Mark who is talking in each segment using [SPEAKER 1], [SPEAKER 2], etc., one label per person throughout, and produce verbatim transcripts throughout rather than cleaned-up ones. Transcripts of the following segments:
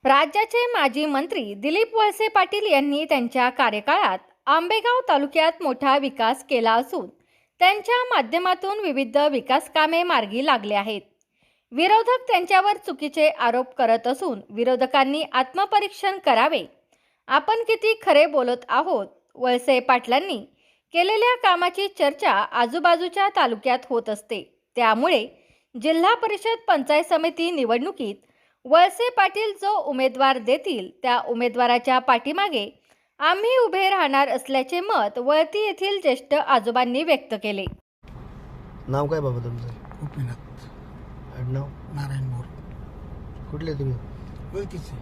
[SPEAKER 1] राज्याचे माजी मंत्री दिलीप वळसे पाटील यांनी त्यांच्या कार्यकाळात आंबेगाव तालुक्यात मोठा विकास केला असून त्यांच्या माध्यमातून विविध विकास कामे मार्गी लागले आहेत. विरोधक त्यांच्यावर चुकीचे आरोप करत असून विरोधकांनी आत्मपरीक्षण करावे. आपण किती खरे बोलत आहोत. वळसे पाटलांनी केलेल्या कामाची चर्चा आजूबाजूच्या तालुक्यात होत असते. त्यामुळे जिल्हा परिषद पंचायत समिती निवडणुकीत वळसे पाटील जो उमेदवार देतील त्या उमेदवाराच्या पाठीमागे आम्ही उभे राहणार असल्याचे मत वळती येथील ज्येष्ठ आजोबांनी व्यक्त केले.
[SPEAKER 2] नाव काय बाबा तुमचं?
[SPEAKER 3] गोपीनाथ
[SPEAKER 2] आडनाव?
[SPEAKER 3] नारायण मोर.
[SPEAKER 2] कुठले तुम्ही?
[SPEAKER 3] ओळखीचे.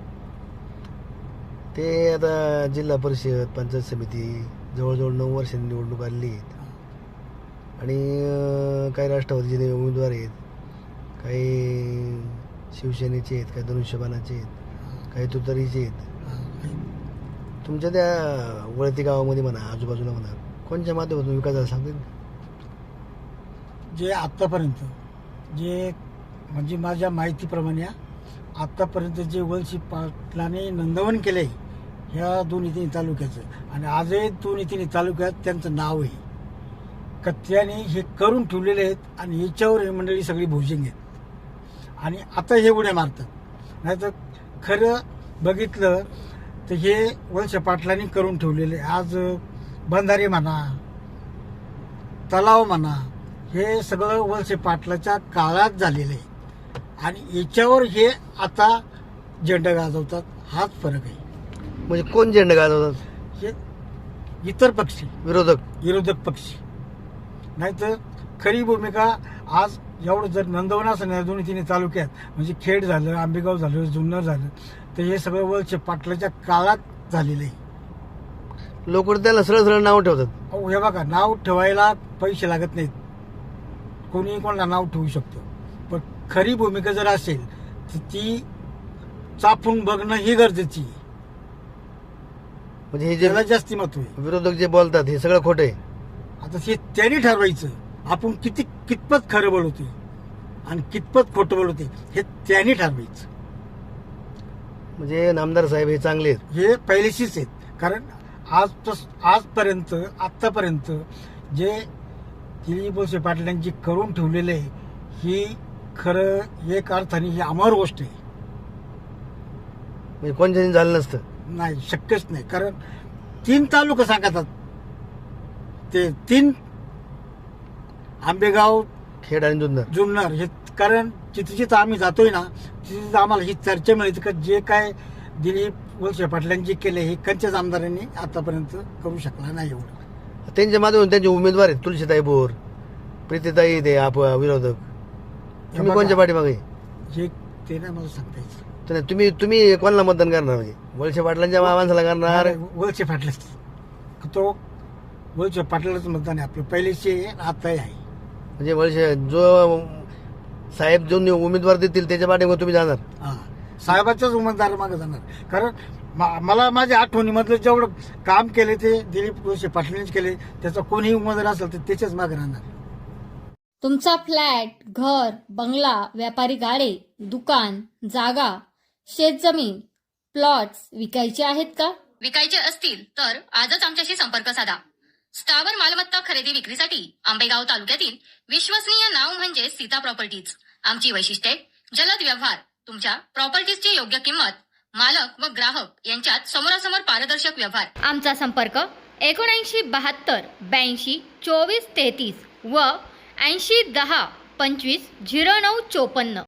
[SPEAKER 2] ते आता जिल्हा परिषद पंचायत समिती जवळजवळ नऊ वर्षांनी निवडणूक आलेली आहेत आणि अं, काही राष्ट्रवादीचे उमेदवार आहेत, काही शिवसेनेचे आहेत, काही धनुष्यबाणाचे आहेत, काही तुतारीचे आहेत. तुमच्या त्या वळती गावामध्ये म्हणा, आजूबाजूला म्हणा, कोणत्या माध्यमातून विकास झाला सांगतील?
[SPEAKER 3] जे आत्तापर्यंत जे म्हणजे माझ्या माहितीप्रमाणे आत्तापर्यंत जे वळसे पाटलाने नंदवन केले ह्या दोन्ही तिन्ही तालुक्याचं आणि आजही दोन्ही तिन्ही तालुक्यात त्यांचं नाव आहे का त्याने हे करून ठेवलेले आहेत आणि याच्यावर ही मंडळी सगळी भोजिंग आहेत आणि आता हे उड्या मारतात. नाहीतर खरं बघितलं तर हे वळसे पाटलांनी करून ठेवलेले आज बंधारे म्हणा, तलाव म्हणा, हे सगळं वळसे पाटलाच्या काळात झालेलं आहे आणि याच्यावर हे आता झेंडा गाजवतात. हाच फरक आहे.
[SPEAKER 2] म्हणजे कोण झेंडा गाजवतात?
[SPEAKER 3] हे इतर पक्षी,
[SPEAKER 2] विरोधक
[SPEAKER 3] विरोधक पक्षी. नाहीतर खरी भूमिका आज एवढं जर नंदवन असं ना दोन्ही तिन्ही तालुक्यात म्हणजे खेड झालं, आंबेगाव झालं, जुन्नर झालं तर हे सगळं वळसे पाटलाच्या काळात झालेलं आहे.
[SPEAKER 2] लोक त्याला सरळ सरळ नाव ठेवतात.
[SPEAKER 3] अहो हे बघा, नाव ठेवायला पैसे लागत नाहीत, कोणी कोणाला नाव ठेवू शकतो. पण खरी भूमिका जर असेल तर ती चापून बघणं ही गरजेची आहे.
[SPEAKER 2] म्हणजे हे जे
[SPEAKER 3] त्याला जास्ती महत्व आहे.
[SPEAKER 2] विरोधक जे बोलतात हे सगळं खोटं आहे.
[SPEAKER 3] आता हे त्यांनी ठरवायचं आपण किती कितपत खरं बोलवते आणि कितपत खोटं बोलवते हे त्यांनी ठरवायचं.
[SPEAKER 2] म्हणजे नामदार साहेब हे चांगले आहेत.
[SPEAKER 3] हे पहिलेशीच आहेत. कारण आज आजपर्यंत आत्तापर्यंत जे दिलीप वळसे पाटलांची करून ठेवलेले आहे ही खरं एक अर्थाने ही अमर गोष्ट आहे.
[SPEAKER 2] म्हणजे कोणत्याने झालं नसतं.
[SPEAKER 3] नाही, शक्यच नाही. कारण तीन तालुका सांगतात ते तीन, आंबेगाव,
[SPEAKER 2] खेड आणि जुन्नर
[SPEAKER 3] जुन्नर हे. कारण जिथे जिथं आम्ही जातोय ना तिथे आम्हाला ही चर्चा मिळते का जे काय दिलीप वळसे पाटलांनी केले हे कंचेच आमदारांनी आतापर्यंत करू शकला नाही. एवढं
[SPEAKER 2] त्यांच्या माध्यमातून त्यांचे उमेदवार आहेत तुलसीताई बोर, प्रीतीताई, ते आप विरोधक. तुम्ही कोणत्या पाठीमागे?
[SPEAKER 3] हे ते नाही मला सांगता यायचं.
[SPEAKER 2] तर तुम्ही तुम्ही कोणाला मतदान करणार? म्हणजे वळसे पाटलांच्या माणसाला करणार?
[SPEAKER 3] वळसे पाटलाच. तो वळसे पाटलाच मतदान आहे आपलं पहिलेचे आताही आहे.
[SPEAKER 2] म्हणजे वळसे जो साहेब जो उमेदवार देतील त्याच्या पाठीमागे तुम्ही जाणार?
[SPEAKER 3] हा, साहेबाच्याच उमेदवार मागे जाणार. कारण मा- मला माझ्या आठवणीमधलं जेवढं काम केले ते दिलीप वळसे पाटलांनीच केले. त्याचा कोणीही उमेदवार असेल तर त्याच्याच मागे राहणार.
[SPEAKER 1] तुमचा फ्लॅट, घर, बंगला, व्यापारी गाडे, दुकान, जागा, शेतजमीन, प्लॉट्स विकायचे आहेत का?
[SPEAKER 4] विकायचे असतील तर आजच आमच्याशी संपर्क साधा. स्थावर मालमत्ता खरेदी विक्रीसाठी आंबेगाव तालुक्यातील विश्वसनीय नाव म्हणजे सीता प्रॉपर्टीज. आमची वैशिष्ट्ये: जलद व्यवहार, तुमच्या प्रॉपर्टीजची योग्य किंमत, मालक व ग्राहक यांच्यात समोरासमोर पारदर्शक व्यवहार. आमचा संपर्क एकोणऐंशी बहात्तर ब्याऐंशी चोवीस तेहतीस व ऐंशी दहा पंचवीस झिरो नऊ चोपन्न.